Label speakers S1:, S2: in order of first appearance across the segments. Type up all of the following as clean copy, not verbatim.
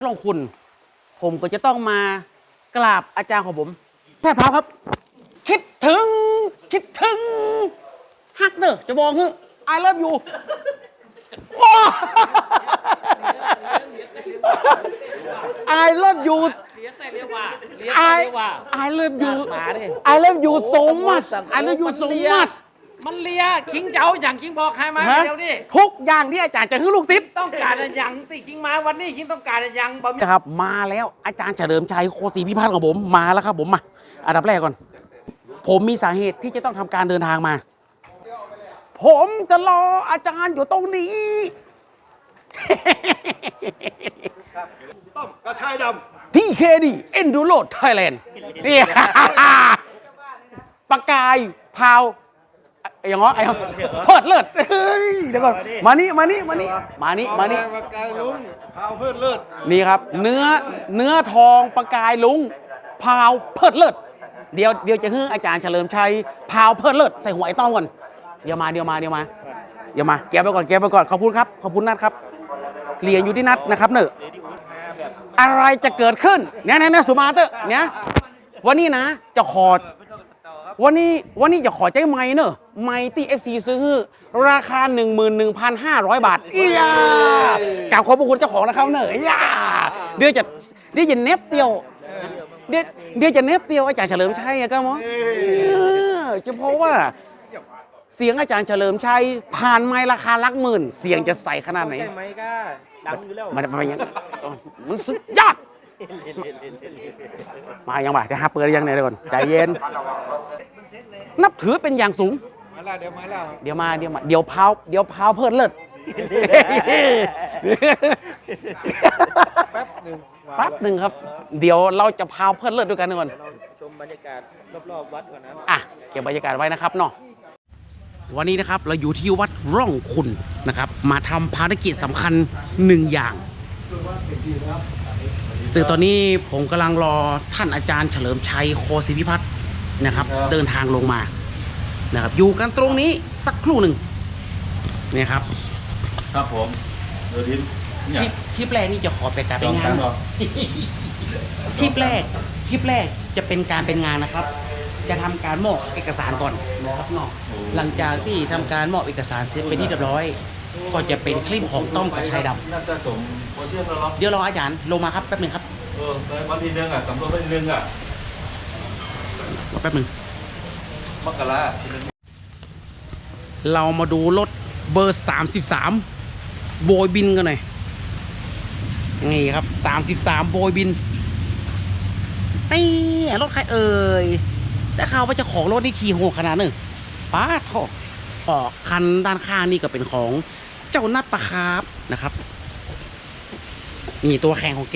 S1: ลงคุณผมก็จะต้องมากราบอาจารย์ของผมแพทย์พราวครับคิดถึงฮักเด้อจะบอกคือ I love you I love you I love you I love you so much I love you so much
S2: มันเลียคิงเจ้าอย่างคิงบอกใครมาเดี๋ยวนี้
S1: ทุกอย่างที่อาจารย์จะคือลูกศิษย์
S2: ต้องการอย่างที่คิงมาวันนี้คิงต้องการอย่างบ่มี
S1: นะครับมาแล้วอาจารย์เฉลิมชัยโคศรีพิพัฒน์ของผมมาแล้วครับผมมาอันดับแรกก่อนผมมีสาเหตุที่จะต้องทำการเดินทางมาผมจะรออาจารย์อยู่ตรงนี้
S3: ต้มกระชายด
S1: ำที่เคดีเอ็นดูโรดไทยแลนด์นี่ปากกายพาวอย่างง้อไอ้เพิดเลิศเดี๋ยวก่อนมานี่
S3: ปากกายลุงพาวเพื่อนเลิศ
S1: นี่ครับเนื้อทองปากกายลุงพาวเพิดเลิศเดี๋ยวจะให้อาจารย์เฉลิมชัยพาวเพิดเลิศใส่หัวไอ้ต้อมก่อนเดี๋ยวมาเก็บไปก่อนขอบคุณครับขอบคุณนัทครับเรียนอยู่ที่นัทนะครับเนอะอะไรจะเกิดขึ้นเนี่ยสุมาเตอร์เนี่ยวันนี้นะจะขอวันนี้จะขอใจไม้เนอะไม้ที่ FC ซื้อราคา 11,500 บาทอียากล่าวขอบพระคุณเจ้าของนะครับเนอะอียาเดี๋ยวจะเน็บเตียวเดี๋ยวจะเน็บเตียวอาจารย์เฉลิมชัยก็มั้งจะเพราะว่าเสียงอาจารย์เฉลิมชัยผ่านไม้ราคาหลักหมื่นเสียงจะใสขนาดไหน
S2: ใจไหมก็ดังอยู่แล้ว
S1: มันยังมันสุดยอดมายังบ่าจะหาเปิดยังไงเดี๋ยวก่อนใจเย็นนับถือเป็นอย่างสูง
S3: มาแล้วเดี๋
S1: ยวพาวเพิ่นเลิศ
S3: แป๊บห
S1: นึ่งครับเดี๋ยวเราจะพาวเพิ่นเลิศด้วยกันก่อน
S2: ชมบรรยากาศรอบๆวัดก่อนนะ
S1: เก็บบรรยากาศไว้นะครับเนาะวันนี้นะครับเราอยู่ที่วัดร่องคุณนะครับมาทำภารกิจสำคัญ1อย่างซึ่งตอนนี้ผมกำลังรอท่านอาจารย์เฉลิมชัยโคศรีพิพัฒน์นะครับเดินทางลงมานะครับอยู่กันตรงนี้สักครู่หนึ่งนี่ครับ
S3: ครับผมเดี๋ยว
S1: คลิปแรกนี่จะขอไปการเป็นงานคลิปแรกจะเป็นการเป็นงานนะครับจะทำการมอบเอกสารก่อนนะครับเนาะหลังจากที่ทำการมอบเอกสารเสร็จเป็นที่เรียบร้อยก็จะเป็นคลิปของต้อมกระชายดำ
S3: น่าจะสมโคเชียนแล้ว
S1: เดี๋ยวรออาจารย์ลงมาครับแป๊บนึงครับ
S3: วันที่1สำรวจวันที่1
S1: รอแป๊บนึง
S3: มกรา
S1: เรามาดูรถเบอร์33โบยบินกันหน่อยนี่ครับ33โบยบินนี่รถใครเอ่ยแต่ข่าวว่าเจ้าของรถนี่ขี่โหดขนาดนึงป้าทอคันด้านข้างนี่ก็เป็นของเจ้านัดปะคาบนะครับนี่ตัวแข่งของแก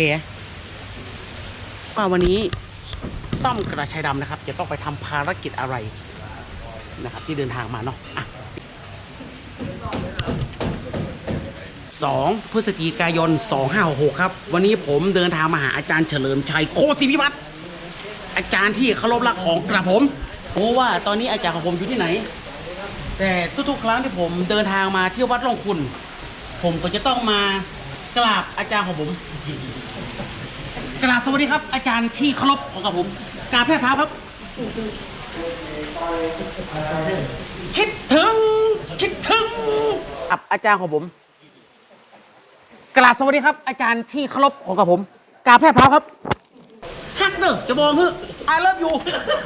S1: ว่าวันนี้ต้อมกระชายดำนะครับจะต้องไปทำภารกิจอะไรนะครับที่เดินทางมาเนาะ2 พฤศจิกายน 2566ครับวันนี้ผมเดินทางมาหาอาจารย์เฉลิมชัยโคศรีพิพัฒน์อาจารย์ที่เคารพรักของกระผมเพราะว่าตอนนี้อาจารย์ของผมอยู่ที่ไหนแต่ทุกๆครั้งที่ผมเดินทางมาที่วัดร่องคุณผมก็จะต้องมากราบอาจารย์ของผมกราบสวัสดีครับอาจารย์ที่เคารพของกระผมกราบแพทย์พราวครับคิดถึงอาจารย์ของผมกราบสวัสดีครับอาจารย์ที่เคารพของกระผมกราบแพทย์พราวครับฮักเด้อจะบอกคือ I love you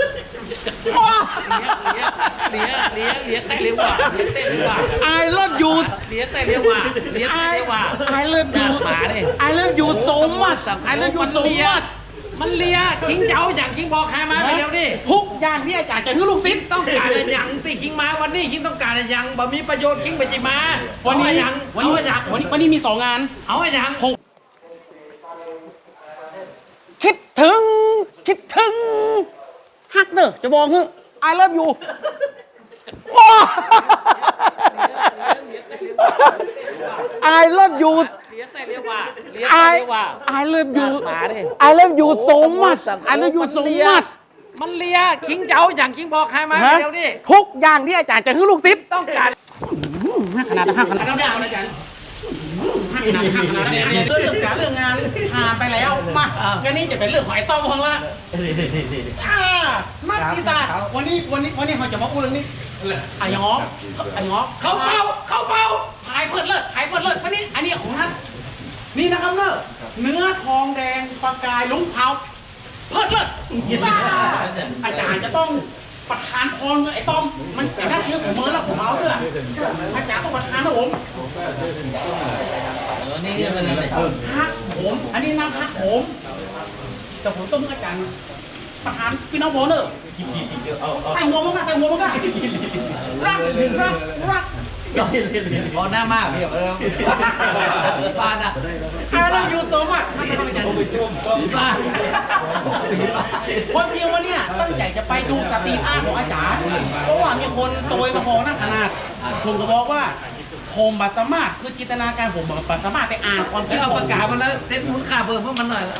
S2: เลี้ยแต่เร็วกว่า
S1: I love you
S2: เลี้ยแต่เร็วกว่า
S1: I love you I love you so much I love you so much
S2: มันเลียคิงเจ้าอย่างคิงบอกใครมาเดี๋ยวนี้
S1: ทุกอย่างที่อาจารย์จะคือลูกศิษย์
S2: ต้องการอย่างที่คิงมาวันนี้คิงต้องการอย่างบ่มีประโยชน์คิงไปจิมา
S1: วันนี้มี2 งาน
S2: เอาอย่าง
S1: คิดถึงฮักเด้อจะบอกคือ I love you I love you I love you so much I love you so much
S2: มันเลียคิงเจ้าอย่างคิงบอกใครมาเดี๋ยวนี้
S1: ทุกอย่างที่อาจารย์จะคือลูกศิษย์
S2: ต้องการ
S1: ขนาด5 ขนาดอาจารย์หักขนาดนี้เรื่องการเรื่องงานผ่านไปแล้วมาก็นี่จะเป็นเรื่องของไอ้ต้องของละนักพิศาจวันนี้เขาจะมาพูดเรื่องนี้ไอ้งอกเข้าเป้าหายเพิดเลิศวันนี้อันนี้ของท่านนี่นะครับเนอะเนื้อทองแดงประกายลุงเผาเพิดเลิศอาจารย์จะต้องประธานพรไอ้ต้อมมันแต่ถ้าเยอะผมเมื่อแล้วผมเอาเถอะอาจารย์ต้องประธานนะผมนี่มันอะไรฮักผมอันนี้น้ำฮักผมแต่ผมต้องอาจารย์ประธานพี่น้องโบเนอร์ใส่หัวมันก็รัก
S4: พอหน้ามากพี่แบบบ้านอ่ะ
S1: I love you so much
S4: บ้าน
S1: คนเดียววันนี้ตั้งใจจะไปดูสตรีทอาร์ตของอาจารย์เพราะว่ามีคนโตยมาพองนั่งขนาดผมก็บอกว่าผมบัสามารถคือจินตนาการผมบัสามารถไปอ่านความคิ
S4: แล้
S1: ด
S4: วเอา
S1: ผ
S4: ปาก
S1: ม
S4: กามาแล้วเซ็ตมูลค่าเพิ่มพวกมันหน่อย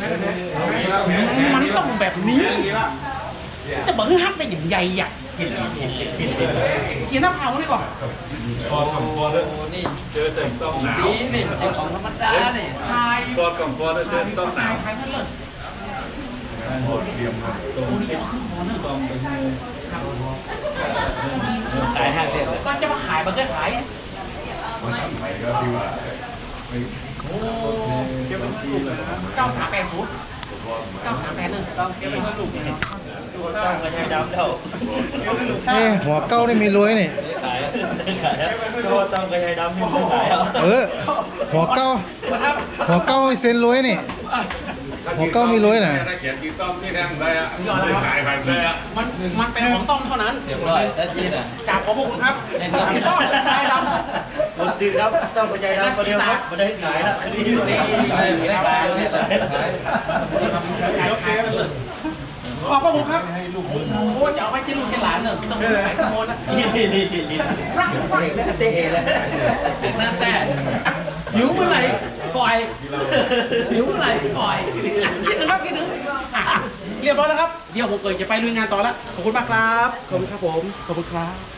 S1: มันต้องแบบนี้จะบอกให้ฮักได้อย่างใหญ่อ่ะกินน้ำเผานี่ก่อน
S5: กอดกับกอดนี่เจอเสียงต้องหนาว
S4: สีนี่ไอของธรรมดาเนี่ย
S1: ทาย
S5: กอดกับกอดเจอต้องหนาว
S1: ทายนั่นเลย
S5: เตรียมตรง
S1: โอ้ยเดี๋ยวขึ้นหอเนอะ
S5: ต้องไป
S4: ขายห้างเดียว
S1: ก็จะมาขายมันก็ขาย
S3: หัวเก้าได้มีรวยนี่หัวเก้ามีเซนรวยนี่หัวเก้ามีรวยน่ะ
S5: ถ้าเขียนกีต้อมที่แทงได้อะขายผ่านได้อะ
S1: มันเป็นของต้องเท่านั้น
S4: เรียบร้อยแล้วจีนอ่ะ
S1: กราบขอบพระคุณครับพี่ต้อได้ดำ
S6: คนจริงครับต้องปัญญาดำคนเดียวครับไม่ได้ขายนะคดีนี้
S4: ไม่ได้ขายไม่ได้ขาย
S1: ขอบพระคุณครับโอ้จะเอาไว้ที่ลูกที่หลานเนอะต้องขายสมนนะรัก
S4: เตะเลยนั่นแต่หิวเมื่อไหร่ปล่อยหิวเมื่อไหร่ปล่อย
S1: คิดนึงครับคิดนึงเรียบร้อยแล้วครับเดี๋ยวผมเกิดจะไปลุยงานต่อแล้วขอบคุณมากครับขอบคุณครับผมขอบคุณครับ